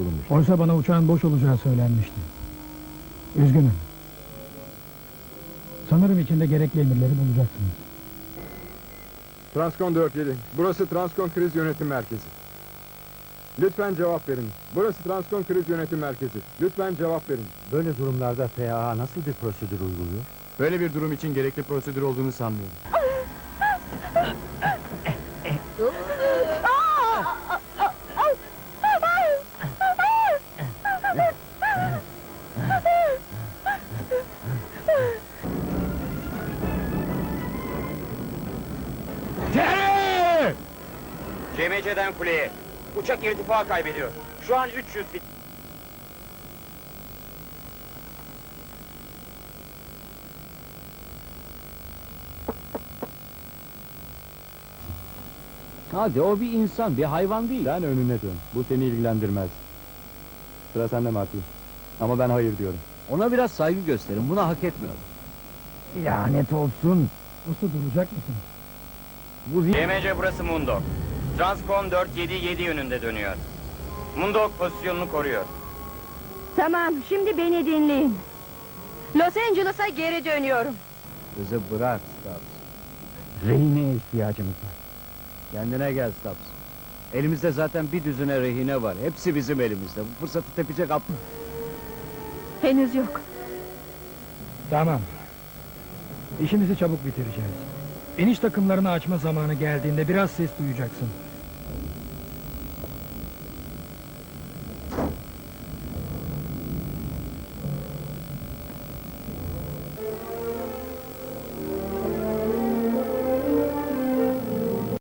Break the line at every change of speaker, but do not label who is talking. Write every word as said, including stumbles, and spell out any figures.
bulunmuş.
Oysa bana uçağın boş olacağı söylenmişti. Üzgünüm. Sanırım içinde gerekli emirleri bulacaksınız.
Transkon dört yedi. Burası Transkon Kriz Yönetim Merkezi. Lütfen cevap verin. Burası Transkon Kriz Yönetim Merkezi. Lütfen cevap verin.
Böyle durumlarda F A A nasıl bir prosedür uyguluyor?
Böyle bir durum için gerekli prosedür olduğunu sanmıyorum.
C M C'den kuleye. Uçak irtifa kaybediyor. Şu an üç yüz fit.
Hadi, o bir insan, bir hayvan değil. Sen önüne dön. Bu seni ilgilendirmez. Sıra sende Martin. Ama ben hayır diyorum. Ona biraz saygı gösterin. Buna hak etmiyor. Lanet olsun.
Usta duracak mısınız?
Bu
C M C burası Mundok. Transkon dört yedi yedi yönünde dönüyor. Mundok pozisyonunu koruyor.
Tamam, şimdi beni dinleyin. Los Angeles'a geri dönüyorum.
Kızı bırak Stubbs. Rehineye ihtiyacımız var. Kendine gel Stubbs. Elimizde zaten bir düzine rehine var. Hepsi bizim elimizde. Bu fırsatı tepecek aptal.
Henüz yok.
Tamam. İşimizi çabuk bitireceğiz. İniş takımlarını açma zamanı geldiğinde biraz ses duyacaksın.